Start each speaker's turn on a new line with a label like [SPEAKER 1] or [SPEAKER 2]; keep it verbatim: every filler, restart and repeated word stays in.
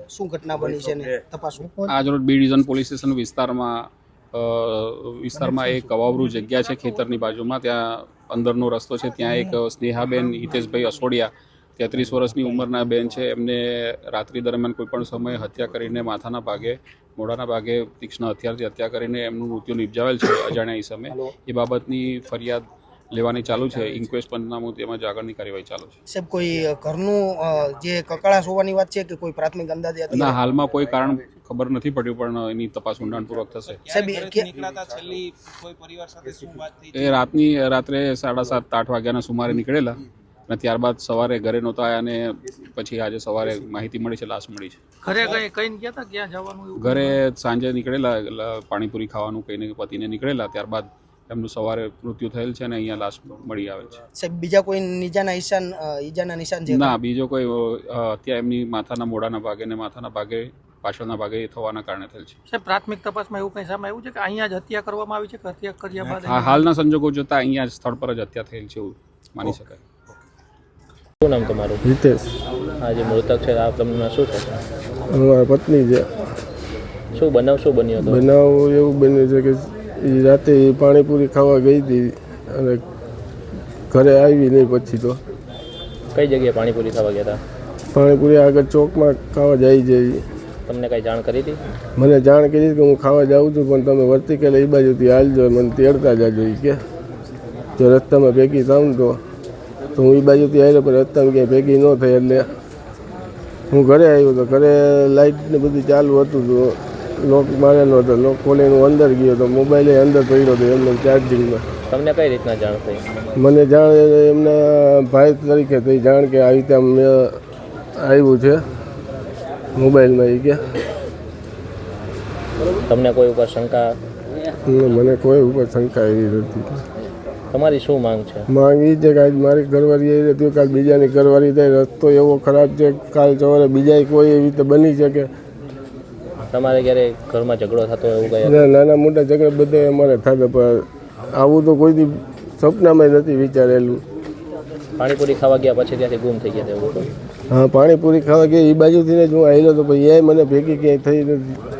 [SPEAKER 1] શું ઘટના બની છે ને તપાસ?
[SPEAKER 2] આજરોજ બી ડિવિઝન પોલીસ સ્ટેશન વિસ્તારમાં વિસ્તારમાં એક કવાવરું જગ્યા છે ખેતરની બાજુમાં, ત્યાં અંદરનો રસ્તો છે, ત્યાં એક સ્નેહાબેન હિતેશભાઈ અસોડિયા તેત્રીસ વર્ષની ઉંમરના બેન છે. એમને રાત્રિ દરમિયાન કોઈપણ સમયે હત્યા કરીને માથાના ભાગે મોઢાના ભાગે તીક્ષ્ણ હથિયારથી હત્યા કરીને એમનું મૃત્યુ નિપજાવેલ છે અજાણ્યા ઇસમે. એ બાબતની ફરિયાદ લેવાની ચાલુ છે. ઇન્ક્વેસ્ટ પંચનામું તેમજ આગળની કાર્યવાહી ચાલુ છે.
[SPEAKER 1] સાહેબ, કોઈ ઘરનું જે કકળાશ હોવાની વાત છે કે કોઈ પ્રાથમિક અંદાજે?
[SPEAKER 2] ના, હાલમાં કોઈ કારણ ખબર નથી પડ્યું, પણ એની તપાસ ઊંડાણપૂર્વક થશે. એ રાતની રાત્રે સાડા સાત આઠ વાગ્યાના સુમારે નીકળેલા અને ત્યારબાદ સવારે ઘરે નહોતા આવ્યા અને પછી આજે સવારે માહિતી મળી છે, લાશ મળી છે.
[SPEAKER 1] ઘરે કઈ કઈ ગયા હતા, ક્યાં જવાનું?
[SPEAKER 2] ઘરે સાંજે નીકળેલા પાણીપુરી ખાવાનું કહીને પતિને નીકળેલા, ત્યારબાદ એમનું સવારે મૃત્યુ થયેલ છે અને અહીંયા લાશ મળી આવેલ છે.
[SPEAKER 1] સાહેબ, બીજા કોઈ નિજાના નિશાન ઈજાના નિશાન છે?
[SPEAKER 2] ના, બીજો કોઈ અત્યારે એમની માથાના મોઢાના ભાગે ને માથાના ભાગે પાછળના ભાગે થવાના કારણે થયેલ છે.
[SPEAKER 1] સાહેબ, પ્રાથમિક તપાસમાં એવું કંઈ સામે આવ્યું છે કે અહીંયા જ હત્યા કરવામાં આવી છે કે હત્યા કર્યા બાદ?
[SPEAKER 2] હા, હાલના સંજોગો જોતા અહીંયા જ સ્થળ પર જ હત્યા થયેલ છે એવું માની શકાય.
[SPEAKER 3] શું નામ તમારું?
[SPEAKER 4] હિતેશ.
[SPEAKER 3] આ જે મૃતક છે આ તમને શું થશે?
[SPEAKER 4] અમારા પત્ની છે.
[SPEAKER 3] શું બનાવ શું બન્યો હતો?
[SPEAKER 4] બનાવ એવું બન્યું છે કે એ રાતે પાણીપુરી ખાવા ગઈ હતી અને ઘરે આવી નહીં. પછી તો
[SPEAKER 3] કઈ જગ્યાએ પાણીપુરી ખાવા ગયા હતા?
[SPEAKER 4] પાણીપુરી આગળ ચોકમાં ખાવા જાય છે.
[SPEAKER 3] તમને કઈ જાણ કરી હતી?
[SPEAKER 4] મને જાણ કરી કે હું ખાવા જાઉં છું, પણ તમે વર્તી કે એ બાજુથી હાલજો, મને તેડતા જાજો કે જો રસ્તામાં ભેગી થાઉં તો તો હું એ બાજુથી આવ્યો, પણ રસ્તામાં ક્યાંય ભેગી ન થઈ એટલે હું ઘરે આવ્યો. તો ઘરે લાઇટ ને બધું ચાલુ હતું, તો લોક મારેલો હતો. લોક ખોલીને હું અંદર ગયો તો મોબાઈલ અંદર પડ્યો હતો એમને ચાર્જિંગમાં.
[SPEAKER 3] તમને કઈ રીતના જાણ થઈ?
[SPEAKER 4] મને જાણ એમના ભાઈ તરીકે થઈ જાણ કે આવી રીતે મેં આવ્યું છે મોબાઈલમાં. એ કે
[SPEAKER 3] તમને કોઈ ઉપર શંકા?
[SPEAKER 4] મને કોઈ ઉપર શંકા એવી નથી.
[SPEAKER 3] તમારી શું માંગ છે?
[SPEAKER 4] માંગ એ છે કે આજ મારી ઘરવાળી આવી હતી, કાલ બીજાની ઘરવાળી થાય. રસ્તો એવો ખરાબ છે, કાલ સવારે બીજા કોઈ એવી રીતે બની શકે.
[SPEAKER 3] તમારે ક્યારે ઘરમાં ઝઘડો થતો એવું કઈ?
[SPEAKER 4] નાના મોટા ઝઘડા બધા અમારે થતા, પણ આવું તો કોઈથી સપનામાં નથી વિચારેલું.
[SPEAKER 3] પાણીપુરી ખાવા ગયા પછી ત્યાંથી ગુમ થઈ ગયા એવું?
[SPEAKER 4] હા, પાણીપુરી ખાવા ગયા એ બાજુથી જ હું આવેલો તો, પછી એ મને ભેગી ક્યાંય થઈ નથી.